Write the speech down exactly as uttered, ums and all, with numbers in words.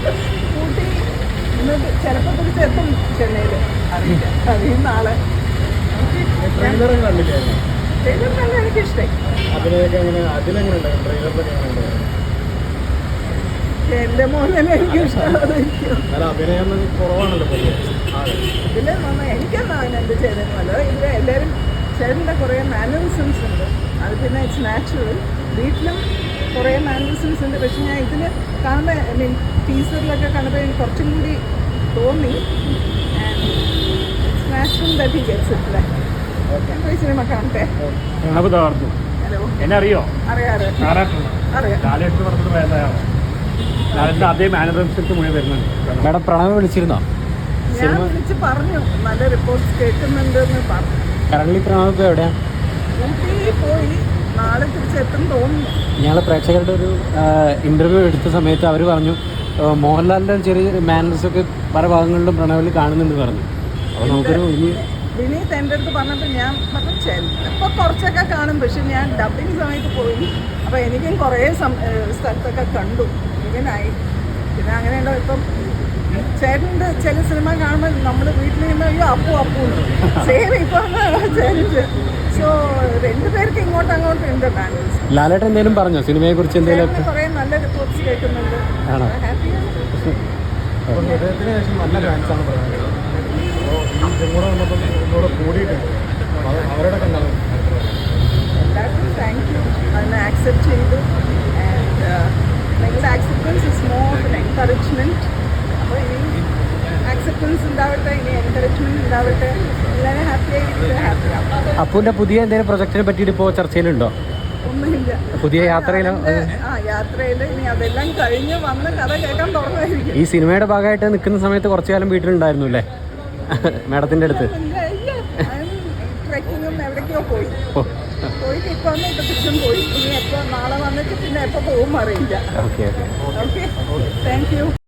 ഊട്ടി ഇന്ന് ചിലപ്പോൾ തിരിച്ചെത്തും ചെന്നൈയിൽ, അറിയില്ല. അറിയും നാളെ. ട്രെയിലറും കണ്ടില്ലായിരുന്നു. ട്രെയിലർ നല്ല എനിക്കിഷ്ടമായി. അതിലൊക്കെ എങ്ങനെ അതിലെങ്ങനെ ട്രെയിലറിലൊക്കെ എങ്ങനെ എൻ്റെ മോനെ എനിക്കിഷ്ടമായിരിക്കും. അല്ല അഭിനയം കുറവാണല്ലോ പൊതുവെ. ഇതിൽ നന്നായി എനിക്കെന്നാ അതിനെന്ത് ചെയ്തതെന്നല്ലോ. ഇതിൽ എല്ലാവരും ചേട്ടൻ്റെ കുറേ മാനറിസംസ് ഉണ്ട്. അത് പിന്നെ ഇറ്റ്സ് നാച്ചുറൽ. വീട്ടിലും കുറേ മാനറിസംസ് ഉണ്ട്. പക്ഷെ ഞാൻ ഇതിൽ കാണുമ്പോൾ ഐ മീൻ ടീസറിലൊക്കെ കാണുമ്പോൾ എനിക്ക് കുറച്ചും കൂടി തോന്നി. And it's natural that he gets it like. ഞാൻ പോയി സിനിമ കാണട്ടെ. ഹലോ, എന്നെ അറിയോ? അറിയാറ് അറിയാം. കാലെടുത്ത് പറഞ്ഞത് വേദനയാണ്. ലാലേട്ടൻ്റെ അതേ മാനറിസംസ് മുഴുവൻ വരുന്നുണ്ട്. മാഡം പ്രണവ് വിളിച്ചിരുന്നോ? ഞാൻ വിളിച്ച് പറഞ്ഞു നല്ല റിപ്പോർട്ട്സ് കേൾക്കുന്നുണ്ട് എന്ന് പറഞ്ഞു. കറണ്ട്ലി പ്രണവ് ഇപ്പോൾ എവിടെയാണ്? ഊട്ടി പോയി, നാളെ തിരിച്ചെത്തും തോന്നുന്നു. ഞങ്ങൾ പ്രേക്ഷകരുടെ ഒരു ഇൻ്റർവ്യൂ എടുത്ത സമയത്ത് അവർ പറഞ്ഞു മോഹൻലാലിൻ്റെ ചെറിയ മാനേഴ്സ് ഒക്കെ പല ഭാഗങ്ങളിലും പ്രണവിൽ കാണുന്നുണ്ട് പറഞ്ഞു. അപ്പോൾ നമുക്കൊരു ഇനി വിനീത് എൻ്റെ അടുത്ത് പറഞ്ഞപ്പോൾ ഞാൻ പറഞ്ഞു ചിലപ്പോൾ കുറച്ചൊക്കെ കാണും. പക്ഷെ ഞാൻ ഡബിങ് സമയത്ത് പോയി, അപ്പോൾ എനിക്കും കുറേ സ്ഥലത്തൊക്കെ കണ്ടു. ഇങ്ങനായി പിന്നെ അങ്ങനെയുണ്ടോ. ഇപ്പം ചേട്ടൻ്റെ ചില സിനിമ കാണുമ്പോൾ നമ്മൾ വീട്ടിൽ നിന്ന് അയ്യോ അപ്പു അപ്പു സെയിം ഇപ്പം ചേഞ്ച്. സോ രണ്ടുപേർക്ക് ഇങ്ങോട്ടും അങ്ങോട്ടും ഉണ്ട് മാനേഴ്സ്. ലാലേട്ടൻ എന്തെങ്കിലും പറഞ്ഞോ സിനിമയെ കുറിച്ച്? എന്തെങ്കിലും കുറേ നല്ല റിപ്പോർട്ട്സ് കേൾക്കുന്നുണ്ട്. ആണോ? ഹാപ്പിയാണ്. ഹൃദയത്തിന് ശേഷം നല്ല ഫാൻസാണ് പറയുന്നത്. അപ്പോൾ ഈ ഇതും കൂടെ വന്നപ്പോൾ ഒന്നുകൂടെ കൂടിയിട്ടുണ്ട്. അവരുടെ കണ്ടാണ് എല്ലാവർക്കും താങ്ക് യു. അതിനെ ആക്സെപ്റ്റ് ചെയ്തു. ആൻഡ് നിങ്ങളുടെ acceptance is more of an encouragement. അപ്പോൾ ഇനി ആക്സെപ്റ്റൻസ് ഉണ്ടാവട്ടെ, ഇനി എൻകറേജ്മെൻറ്റ് ഉണ്ടാവട്ടെ. എല്ലാവരും ഹാപ്പി ആയിട്ട് ഹാപ്പി ആവും. അപ്പുവിൻ്റെ പുതിയ എന്തെങ്കിലും പ്രൊജക്റ്റിനെ പറ്റിയിട്ട് ഇപ്പോൾ ചർച്ചയിലുണ്ടോ? ഒന്നുമില്ല. പുതിയ യാത്രയിലോ? ആ യാത്രയിൽ ഇനി അതെല്ലാം കഴിഞ്ഞ് വന്ന് കഥ കേൾക്കാൻ തുറന്നായിരിക്കും. ഈ സിനിമയുടെ ഭാഗമായിട്ട് നിൽക്കുന്ന സമയത്ത് കുറച്ചു കാലം വീട്ടിലുണ്ടായിരുന്നു അല്ലേ മാഡത്തിൻ്റെ അടുത്ത്? ട്രെക്കിങ്ങും എവിടേക്കോ പോയി പോയിട്ട് ഇപ്പോൾ വന്ന് ഇപ്പോൾ തിരിച്ചും പോയി. ഇനി എപ്പോൾ നാളെ വന്നിട്ട് പിന്നെ എപ്പോൾ പോകും അറിയില്ല. Okay okay okay thank U.